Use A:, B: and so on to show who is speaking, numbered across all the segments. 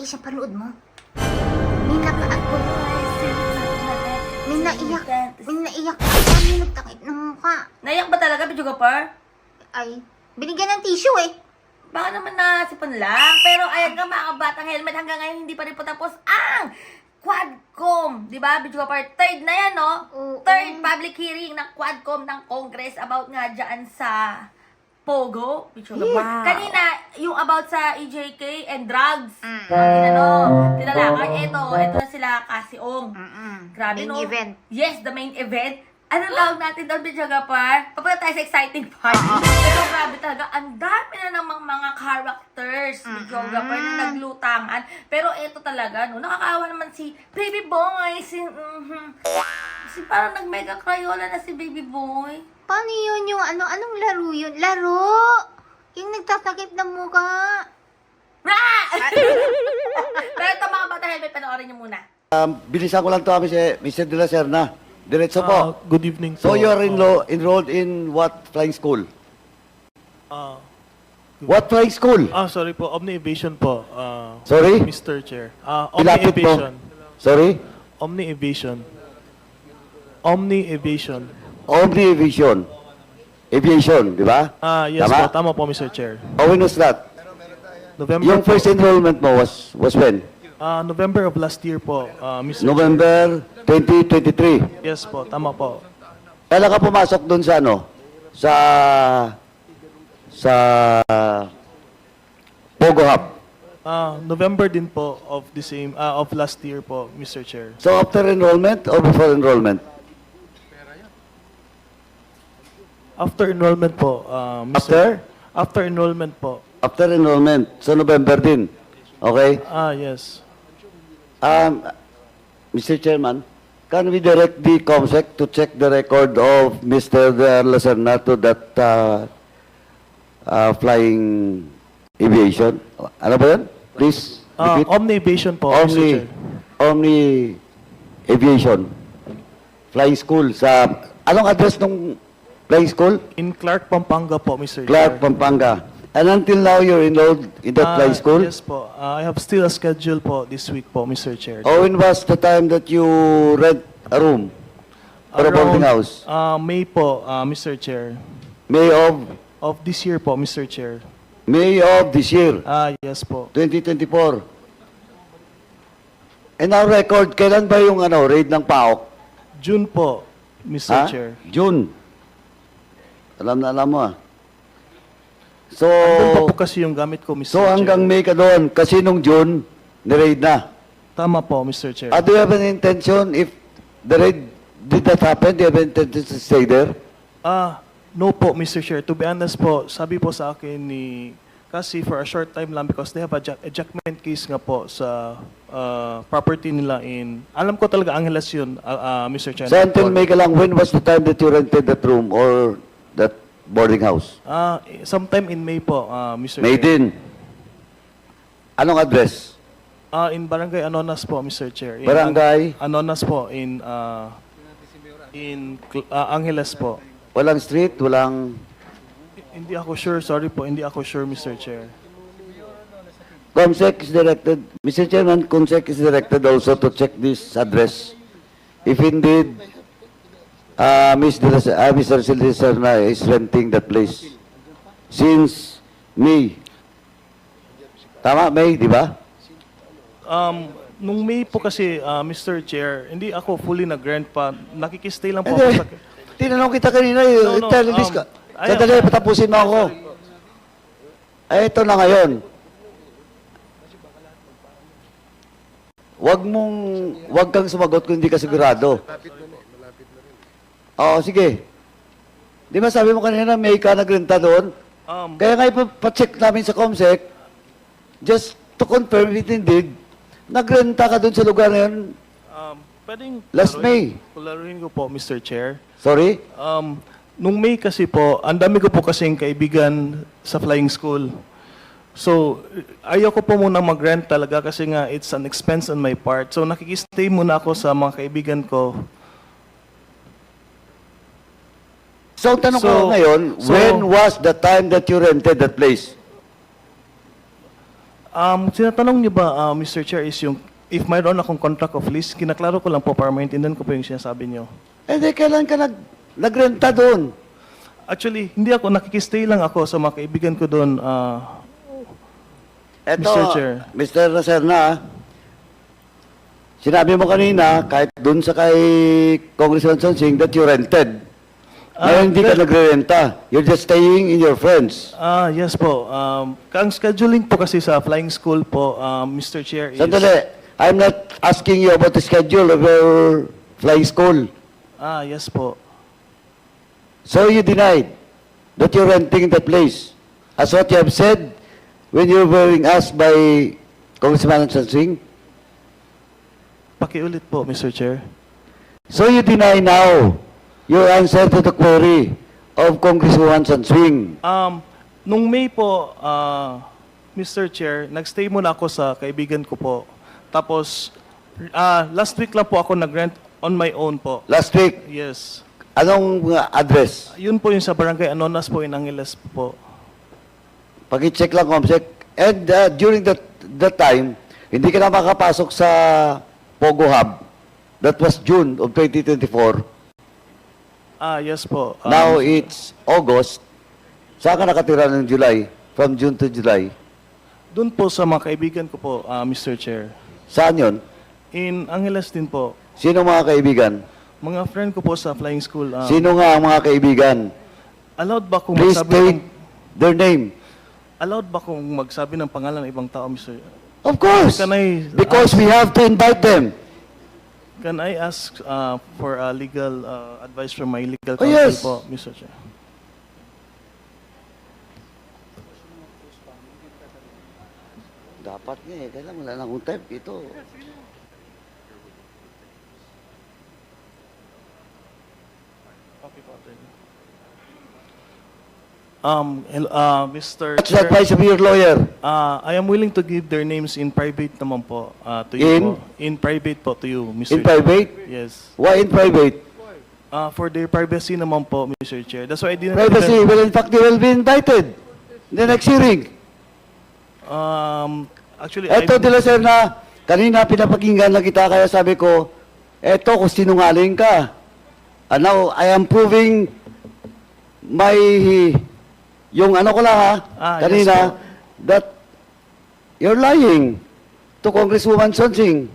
A: siya, panood mo. May nakaagpo. May naiyak. May naiyak. May nagtakip ng mukha.
B: Naiyak ba talaga, videographer?
A: Ay, binigyan ng tissue eh.
B: Baka naman nasipon lang. Pero ayan nga mga kabatang helmet, hanggang ngayon hindi pa rin po tapos ang Quadcom. Diba, videographer? Third na yan, no?
A: Oo.
B: Third public hearing ng Quadcom ng Congress about nga dyan sa Pogo.
A: Wow.
B: Kanina, yung about sa EJK and drugs. Tinalakan. Ito na sila Kasiong. Grabe,
A: Main
B: no?
A: event.
B: Yes, the main event. Anong tawag natin doon, videographer? Papunta tayo sa exciting part. Pero grabe talaga, ang dami na namang mga characters, videographer, na naglutangan. Pero ito talaga, no, nakakaawa naman si Baby Boy. Si parang nag-mega crayola na si Baby Boy.
A: Paano yun yung ano? Anong laro yun? Laro! Yung nagtatakip ng mukha.
B: Pero ito mga bata helmet, panoorin niyo muna.
C: Bilisan ko lang to kami si Mr. De La Serna. Diretso po.
D: Good evening
C: So
D: po.
C: you are enrolled in what flying school? What flying school?
D: Sorry po, Omni Aviation po.
C: Sorry?
D: Mr. Chair. Omni
C: Ilapit mo.
D: Aviation.
C: Sorry?
D: Omni Aviation. Omni Aviation.
C: Omni Aviation. Aviation, di ba?
D: Yes
C: Tama?
D: po, tama po, Mr. Chair.
C: Oh, when was that?
D: November
C: Yung
D: po.
C: first enrollment mo was when?
D: November of last year po, Mr.
C: November 2023.
D: Yes po, tama po.
C: Kailan ka pumasok dun sa ano? Sa Pogo Hub.
D: November din po of the same of last year po, Mr. Chair.
C: So after enrollment or before enrollment?
D: After enrollment po,
C: After?
D: After enrollment po.
C: After enrollment. So November din. Okay?
D: Yes.
C: Mr. Chairman, can we direct the COMSEC to check the record of Mr. De La Serna to that flying aviation? Ano ba yun? Please repeat.
D: Omni Aviation po, Mr. Chair.
C: Omni Aviation. Flying school sa... Anong address ng flying school?
D: In Clark, Pampanga po, Mr.
C: Clark,
D: Chair.
C: Pampanga. And until now, you're enrolled in that flying school?
D: Yes po. I have still a schedule po this week po, Mr. Chair.
C: Or when was the time that you rent a room for a boarding house?
D: May po, Mr. Chair.
C: May of
D: Of this year po, Mr. Chair.
C: May of this year,
D: Yes po.
C: 2024. And our record, kailan ba yung raid ng PAOK?
D: June po, Mr. Chair.
C: June. Alam na alam mo So,
D: Andun pa po kasi yung gamit ko, Mr.
C: so
D: Chair.
C: hanggang May ka doon, kasi nung June, ni-raid na.
D: Tama po, Mr. Chair.
C: Do you have an intention, if the raid did not happen, do you have an intention to stay there?
D: No po, Mr. Chair. To be honest po, sabi po sa akin ni... Kasi for a short time lang because they have a ejectment case nga po sa property nila in... Alam ko talaga Angeles yun, Mr. Chair.
C: So until May ka lang, when was the time that you rented that room or that boarding house?
D: Sometime in May po, Mr.
C: May
D: Chair.
C: din. Anong address?
D: In Barangay Anonas po, Mr. Chair. In
C: Barangay?
D: Anonas po, in Angeles po.
C: Walang street, walang...
D: Hindi ako sure, sorry po, hindi ako sure, Mr. Chair.
C: COMSEC is directed, Mr. Chairman, COMSEC is directed also to check this address. If indeed, Mr. Serna is renting that place since May. Tama, May, di ba?
D: Nung May po kasi, Mr. Chair, hindi ako fully nag-grant pa. Nakikistay lang po ako
C: Hindi.
D: sa...
C: Tinanong kita kanina,
D: No, no,
C: release ka.
D: ayaw.
C: Sandali, patapusin mo ako. Ay, ito na ngayon. Wag kang sumagot kung hindi ka sigurado. Oo, sige. Di ba sabi mo kanina, may ka nagrenta doon? Kaya nga ipacheck namin sa COMSEC, just to confirm if indeed, nagrenta ka doon sa lugar na yun.
D: Pwedeng...
C: Last May.
D: Kularuin ko po, Mr. Chair.
C: Sorry?
D: Nung May kasi po, ang dami ko po kasing kaibigan sa flying school. So, ayaw ko po muna mag-rent talaga kasi nga it's an expense on my part. So, nakikistay muna ako sa mga kaibigan ko.
C: So, ang tanong ko ngayon, when was the time that you rented that place?
D: Sinatanong niyo ba, Mr. Chair, is yung if mayroon akong contract of lease, kinaklaro ko lang po para maintindihan ko po yung sinasabi niyo.
C: Eh, di, kailan ka nagrenta doon?
D: Actually, hindi ako, nakikistay lang ako sa mga kaibigan ko doon.
C: Eto,
D: Mr. Chair.
C: Mr. Lacerna, sinabi mo kanina, kahit doon sa kay Congressman Sonsing, that you rented. Ngayon hindi ka nagre-renta. You're just staying in your friends.
D: Yes po. Ang scheduling po kasi sa flying school po, Mr. Chair, is...
C: Sandali, I'm not asking you about the schedule of your flying school.
D: Yes po.
C: So you denied that you're renting the place. As what you have said when you were being asked by Congressman Sonsing.
D: Pakiulit po, Mr. Chair.
C: So you deny now your answer to the query of Congresswoman Sonsing.
D: Nung May po, Mr. Chair, nagstay muna ako sa kaibigan ko po. Tapos, last week lang po ako nag-rent on my own po.
C: Last week,
D: Yes.
C: anong address?
D: Yun po yung sa barangay Anonas po in Angeles po.
C: Pag-check lang, Comsec. And during that time, hindi ka na makapasok sa Pogo Hub. That was June of 2024.
D: Yes po.
C: Now it's August. Saan ka nakatira ng July? From June to July.
D: Doon po sa mga kaibigan ko po, Mr. Chair.
C: Saan yun?
D: In Angeles din po.
C: Sino mga kaibigan?
D: Mga friend ko po sa flying school.
C: Sino nga ang mga kaibigan?
D: Allowed ba kung
C: Please
D: magsabi
C: state
D: ng,
C: their name.
D: allowed ba kung magsabi ng pangalan ng ibang tao, Mr.
C: Of course.
D: Can I
C: Because we have to invite them.
D: Can I ask for legal advice from my legal
C: Oh,
D: counsel
C: yes.
D: po, Mr. Chair?
C: Dapat nga eh. Kailangan wala na akong type. Ito.
D: Mr.
C: What's the
D: Chair,
C: advice of your lawyer?
D: I am willing to give their names in private naman po to you
C: In?
D: po. In private po to you, Mr.
C: In private?
D: Yes.
C: Why in private?
D: For their privacy naman po, Mr. Chair. That's why I didn't...
C: Privacy. Well, in fact, they will be invited. In the next hearing.
D: Actually,
C: Eto, De La Serna, kanina pinapakinggan na kita, kaya sabi ko, eto, kung sinungaling ka. And now, I am proving my, yung ano ko lang ha,
D: Yes
C: kanina,
D: po.
C: that you're lying to Congresswoman Sonsing.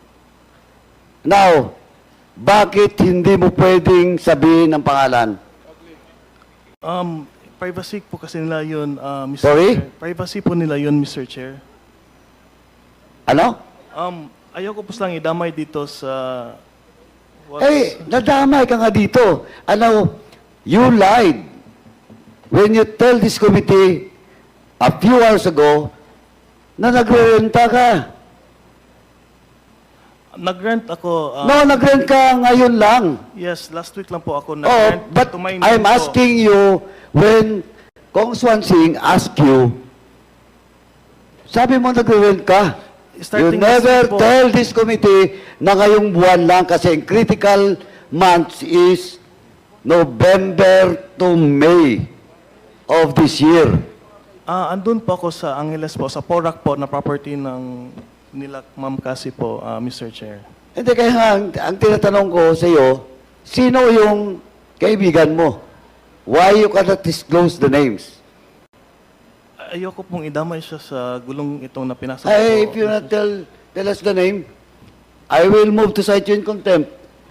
C: Now, bakit hindi mo pwedeng sabihin ang pangalan?
D: privacy po kasi nila yun, Mr.
C: Sorry?
D: Chair. Privacy po nila yun, Mr. Chair.
C: Ano?
D: Ayoko po lang idamay dito sa...
C: Eh, nadamay ka nga dito. Ano, you lied when you tell this committee a few hours ago na nagre-renta ka.
D: Nag-rent ako...
C: No, nag-rent ka ngayon lang.
D: Yes, last week lang po ako
C: Oh,
D: nag-rent.
C: but
D: to my name
C: I'm
D: po.
C: asking you, when Kong Swan Sing asked you, sabi mo nagre-rent ka. You
D: Starting
C: never
D: last week po.
C: tell this committee na ngayong buwan lang kasi ang critical months is November to May of this year.
D: Andun po ako sa Angeles po, sa Porac po, na property ng nila Ma'am Cassie po, Mr. Chair.
C: Hindi, kaya nga, ang tinatanong ko sa iyo, sino yung kaibigan mo? Why you cannot disclose the names?
D: Ayoko pong idamay siya sa gulong itong na pinasa
C: Hey, if
D: ko.
C: you not tell us the name, I will move to cite you in contempt.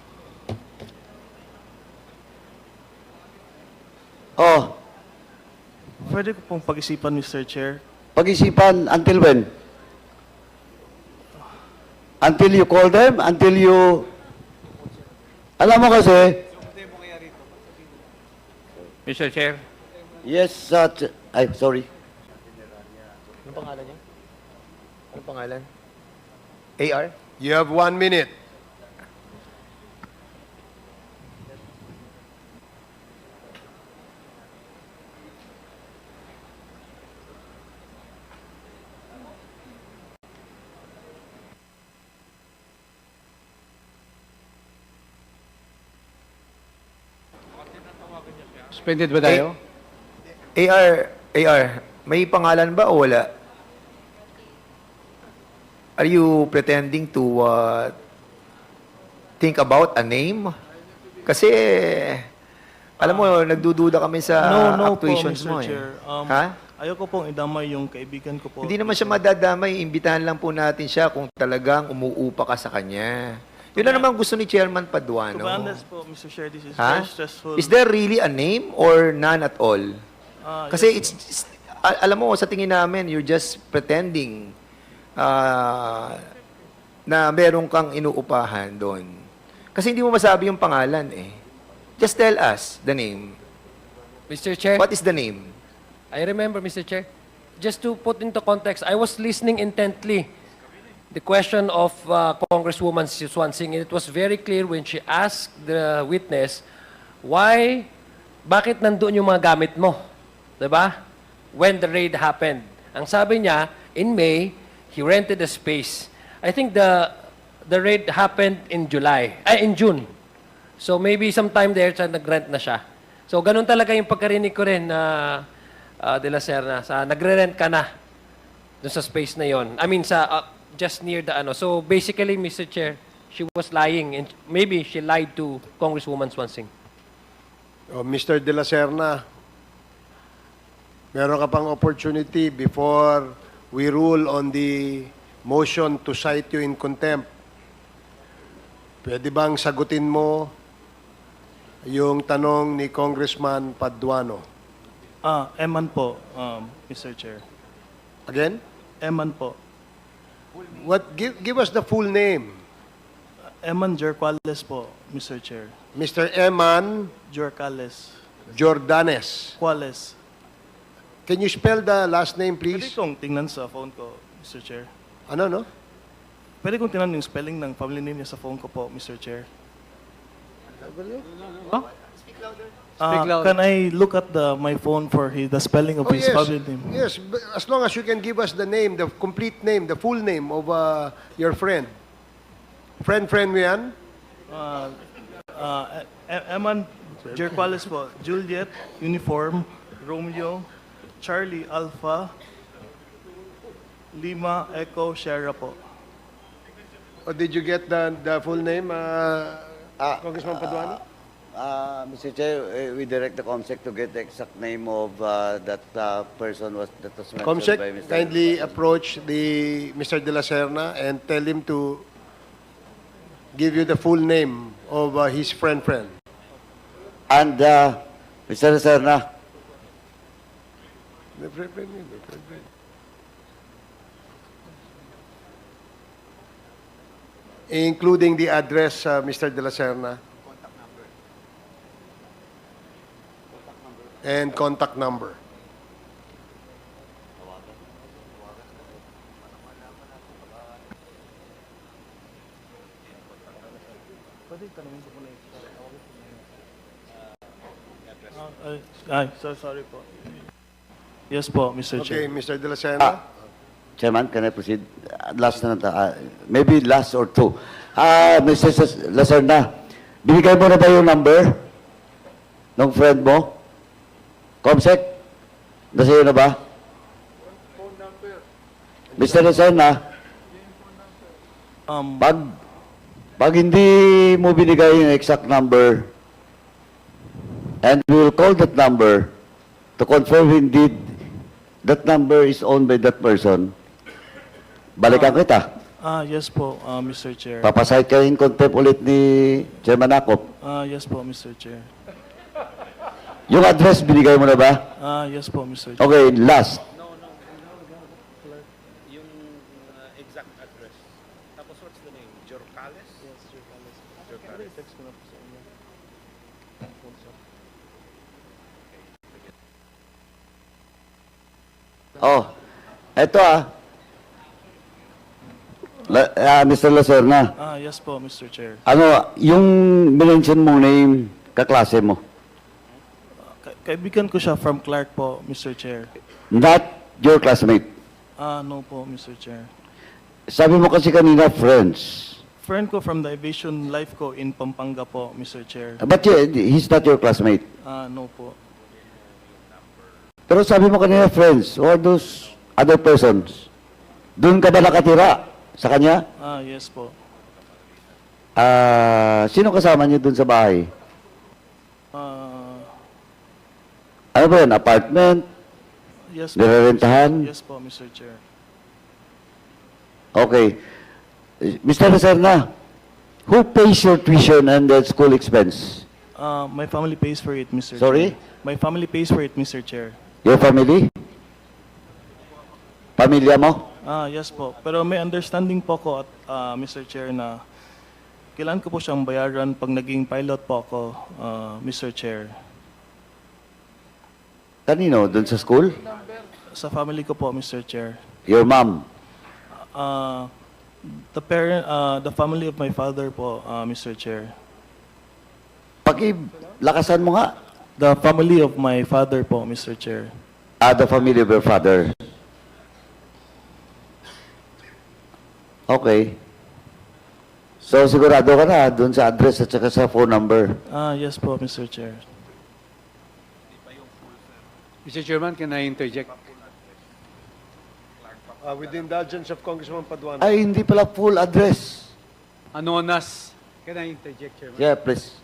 C: Oh,
D: Pwede ko pong pag-isipan, Mr. Chair.
C: pag-isipan until when? Until you call them? Until you... Alam mo kasi...
E: Mr. Chair,
C: Yes, ay, sorry.
F: Anong pangalan niya? Anong pangalan? AR?
G: You have 1 minute.
E: suspended ba tayo?
F: AR, may pangalan ba o wala? Are you pretending to think about a name? Kasi, alam mo, nagdududa kami sa
D: No po,
F: actuations
D: Mr.
F: mo eh.
D: Chair.
F: Ha?
D: Ayoko pong idamay yung kaibigan ko po.
F: Hindi naman siya madadamay. Imbitahan lang po natin siya kung talagang umuupa ka sa kanya. Yun na naman gusto ni Chairman
D: To be
F: Paduano.
D: honest po, Mr. Chair, this is
F: Ha?
D: very stressful.
F: Is there really a name or none at all? Kasi alam mo, sa tingin namin, you're just pretending na meron kang inuupahan doon. Kasi hindi mo masabi yung pangalan eh. Just tell us the name.
G: Mr. Chair,
F: What is the name?
G: I remember, Mr. Chair. Just to put into context, I was listening intently the question of Congresswoman Swansing, and it was very clear when she asked the witness, bakit nandoon yung mga gamit mo? Diba? When the raid happened. Ang sabi niya, in May, he rented a space. I think the raid happened in June. So maybe sometime there, nag-rent na siya. So ganun talaga yung pagkarinig ko rin na De La Serna, nagre-rent ka na dun sa space na yon. I mean, just near the ano. So basically, Mr. Chair, she was lying and maybe she lied to Congresswoman Swansing.
H: Mr. De La Serna, meron ka pang opportunity before we rule on the motion to cite you in contempt. Pwede bang sagutin mo yung tanong ni Congressman Paduano?
D: Eman po, Mr. Chair.
H: Again?
D: Eman po.
H: Give us the full name.
D: Eman Jorquales po, Mr. Chair.
H: Mr. Eman
D: Jorquales.
H: Jordanes.
D: Quales.
H: Can you spell the last name,
D: Pwede
H: please?
D: kong tingnan sa phone ko, Mr. Chair.
H: Ano, no?
D: Pwede kong tingnan yung spelling ng family name niya sa phone ko po, Mr. Chair.
G: Speak louder.
D: Can I look at my phone for the spelling of his family name?
H: Yes, but as long as you can give us the name, the complete name, the full name of your friend. Friend mo yan?
D: Eman Jorquales po. Juliet, Uniform, Romeo, Charlie, Alpha, Lima, Echo, Sierra po.
H: Or did you get the full name, Congressman Paduano?
C: Mr. Chair, we direct the COMSEC to get the exact name of that person that was mentioned
H: Comsec,
C: by Mr.
H: kindly approach Mr. De La Serna and tell him to give you the full name of his friend.
C: And Mr. Serna,
H: The friend name. Including the address, Mr. De La Serna. And contact number.
D: Sorry po. Yes po, Mr.
H: Okay,
D: Chair.
H: Mr. De La Serna.
C: Chairman, can I proceed? Last na maybe last or two. Mr. Lacerna, binigay mo na ba yung number ng friend mo? Comsec? Nasa na ba? Mr. Lacerna, pag hindi mo binigay yung exact number, and we will call that number to confirm indeed that number is owned by that person, balikan kita.
D: Yes po, Mr. Chair.
C: Papasahit ka in contempt ulit ni Chairman Akop.
D: Yes po, Mr. Chair.
C: Yung address, binigay mo na ba?
D: Yes po, Mr. Chair.
C: Okay, last. Oh, eto Mr. Lacerna.
D: Yes po, Mr. Chair.
C: Ano, yung mention mong name, kaklase mo.
D: Kaibigan ko siya from Clark po, Mr. Chair.
C: Not your classmate.
D: No po, Mr. Chair.
C: Sabi mo kasi kanina, friends.
D: Friend ko from the aviation life ko in Pampanga po, Mr. Chair.
C: But he's not your classmate.
D: No po.
C: Pero sabi mo kanina, friends, or those other persons, doon ka ba nakatira Sa kanya?
D: Yes po.
C: Sino kasama niyo dun sa bahay?
D: Ah,
C: Ano ba yan? Apartment?
D: yes po.
C: Nirerentahan?
D: Yes po, Mr. Chair.
C: Okay. Mr. Lacerna, who pays your tuition and the school expense?
D: My family pays for it, Mr.
C: Sorry?
D: Chair. My family pays for it, Mr. Chair.
C: Your family? Pamilya mo?
D: Yes po. Pero may understanding po ko at Mr. Chair na kailan ko po siyang bayaran pag naging pilot po ako, Mr. Chair.
C: Kanino? Dun sa school?
D: Sa family ko po, Mr. Chair.
C: Your mom?
D: The family of my father po, Mr. Chair.
C: Pakilakasan mo nga.
D: The family of my father po, Mr. Chair.
C: The family of your father. Okay. So, sigurado ka na dun sa address at saka sa phone number.
D: Yes po, Mr. Chair.
E: Mr. Chairman, can I interject?
H: With the indulgence of Congressman Paduano.
C: Ay, hindi pala full address.
E: Anonas. Can I interject, Chairman?
C: Yeah, please.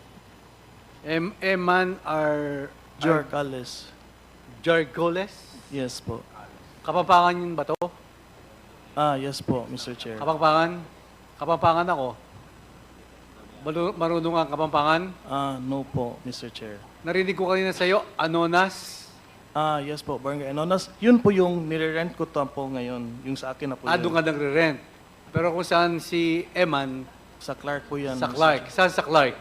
E: Eman are
D: Jorcales.
E: Jargoles?
D: Yes po.
E: Kapampangan yun ba to?
D: Yes po, Mr. Chair.
E: Kapampangan? Kapampangan ako. Marunong ang Kapampangan?
D: No po, Mr. Chair.
E: Narinig ko kanina sa'yo, Anonas.
D: Yes po, Barangay Anonas. Yun po yung nire-rent ko to po ngayon. Yung sa akin na po yun.
E: Doon ka nagre-rent. Pero kung saan si Eman,
D: Sa Clark po yan.
E: sa
D: Mr.
E: Clark.
D: Chair.
E: Saan sa Clark?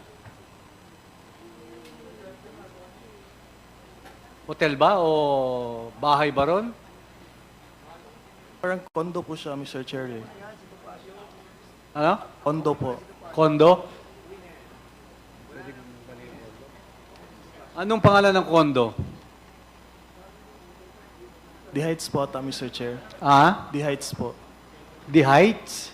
E: Hotel ba o bahay ba ron?
D: Parang condo po siya, Mr. Chair. Eh.
E: Ano?
D: Condo po.
E: Kondo? Anong pangalan ng kondo?
D: The Heights po ata, Mr. Chair.
E: The
D: The Heights po.
E: Heights?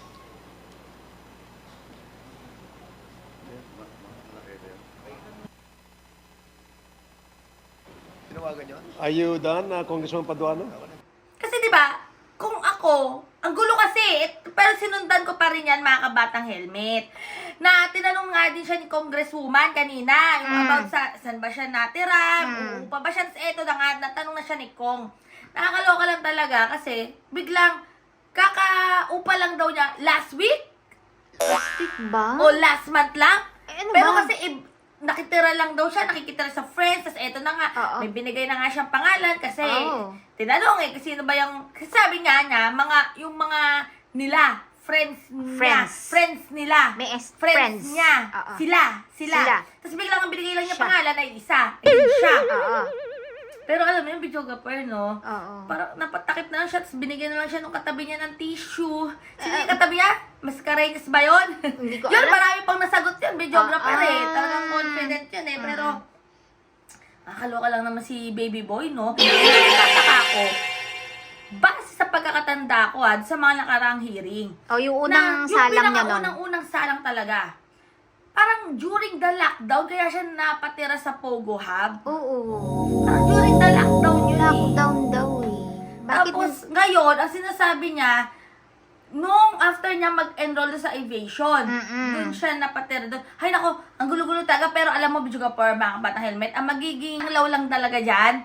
H: Are you done, Congressman Paduano?
B: Kasi di ba, kung ako, ang gulo kasi, pero sinundan ko pa rin yan mga kabatang helmet. Na tinanong nga din siya ni Congresswoman kanina, yung about saan ba siya natira, uupa ba siya, eto na nga, natanong na siya ni Kong. Nakakaloka lang talaga kasi biglang kakaupa lang daw niya last week
A: Ba?
B: o last month lang.
A: Eh, ano
B: Pero
A: ba?
B: kasi nakitira lang daw siya, nakikitira sa friends, tas eto na nga,
A: Oo.
B: may binigay na nga siyang pangalan kasi
A: Oo.
B: tinanong kasi sino ba yung, kasi sabi nga niya, yung mga nila, friends nila.
A: May
B: friends niya.
A: Oo.
B: Sila.
A: Sila.
B: Tapos biglang ang binigay lang niya
A: Siya.
B: pangalan ay isa. Siya.
A: Oo.
B: Pero alam mo yung videographer, no?
A: Oo.
B: Parang napatakip na lang siya, tapos binigyan na lang siya nung katabi niya ng tissue. Sino yung katabi niya? Mascareñas ba yun?
A: Hindi ko
B: Yun,
A: alam.
B: marami pang nasagot yun, videographer eh.
A: Ah.
B: Talagang confident yun eh. Pero, nakakaloka lang naman si baby boy, no? Nagtataka ako. Base sa pagkakatanda ko, sa mga nakaraang hearing.
A: Yung unang salang niya nun.
B: Unang salang talaga. Parang during the lockdown, kaya siya napatira sa Pogo Hub.
A: Oo.
B: Parang during the lockdown yun eh.
A: Lockdown daw eh. Bakit?
B: Tapos, ngayon, ang sinasabi niya, nung after niya mag-enroll sa aviation, dun siya napatira doon. Hay nako, ang gulo-gulo talaga, pero alam mo, Bijuga Par, mga batang helmet, ang magiging law lang talaga dyan.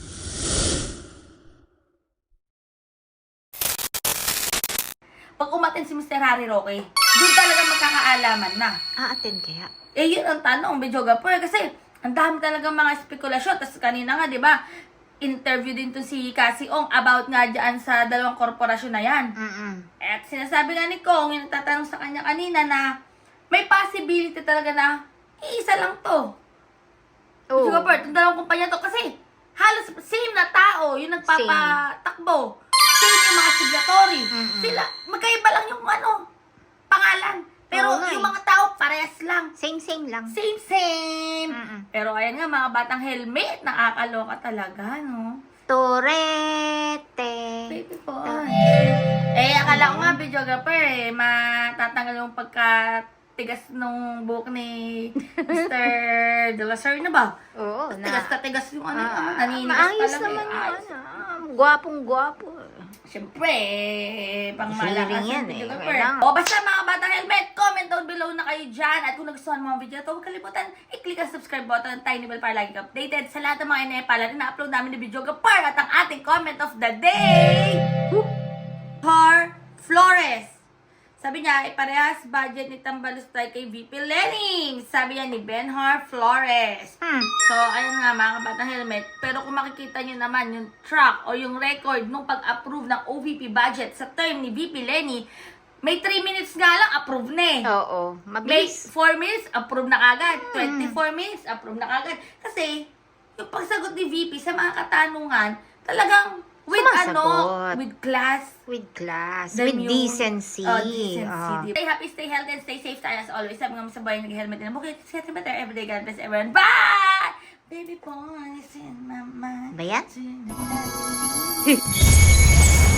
B: Pag umatin si Mr. Harry Roque, doon talaga magkakaalaman na.
A: Attend kaya?
B: Yun ang tanong, Bijuga Par, kasi ang dami talaga mga spekulasyon. Tapos kanina nga, di ba, interview din to si Cassie Ong about nga dyan sa dalawang korporasyon na yan. At sinasabi nga ni Kong, yung nagtatanong sa kanya kanina na may possibility talaga na iisa lang to.
A: Oo.
B: Siguro, itong dalawang kumpanya to kasi halos same na tao yung nagpapatakbo. Same yung mga signatory. Sila, magkaiba lang yung pangalan. Pero
A: Oo nga
B: yung
A: eh.
B: mga tao, parehas lang.
A: Same lang.
B: Same. Pero ayan nga, mga batang helmet, nakakaloka talaga, no?
A: Torete.
B: Baby boy. Akala ko nga, videographer, matatanggal yung tigas nung buhok ni Mr. De La Serna ba?
A: Oo,
B: Tigas na tigas yung ano, naninigas
A: maayos
B: pa lang
A: naman
B: eh.
A: yung
B: Ayos.
A: gwapong-gwapo.
B: Siyempre, pang malakas
A: Hearing yan
B: yung video
A: eh,
B: ka,
A: kailangan.
B: O basta mga bata helmet, comment down below na kayo dyan. At kung nagustuhan mo ang video na ito, huwag kalimutan, i-click ang subscribe button, tiny bell para lagi ka updated sa lahat ng mga inepalan na na-upload namin ni Video Gapar at ang ating comment of the day, Har Flores. Sabi niya, iparehas budget ni Tambalustay kay VP Lenny. Sabi niya ni Benhar Flores. So, ayun nga mga kabatang helmet. Pero kung makikita niyo naman yung track o yung record nung pag-approve ng OVP budget sa term ni VP Lenny, may 3 minutes nga lang, approve na eh.
A: Oo,
B: May
A: mabilis.
B: 4 minutes, approve na kagad. 24 minutes, approve na kagad. Kasi, yung pagsagot ni VP sa mga katanungan, talagang with
A: Sumasagot.
B: with class,
A: With class,
B: the
A: with
B: new-
A: decency.
B: decency. Stay happy, stay healthy, and stay safe tayo as always. Sabi nga mo sa buhay, nag-helmet din. Okay, get better everyday. God bless everyone. Bye! Baby boy, is in my mind.
A: Ba yan?
B: Tonight.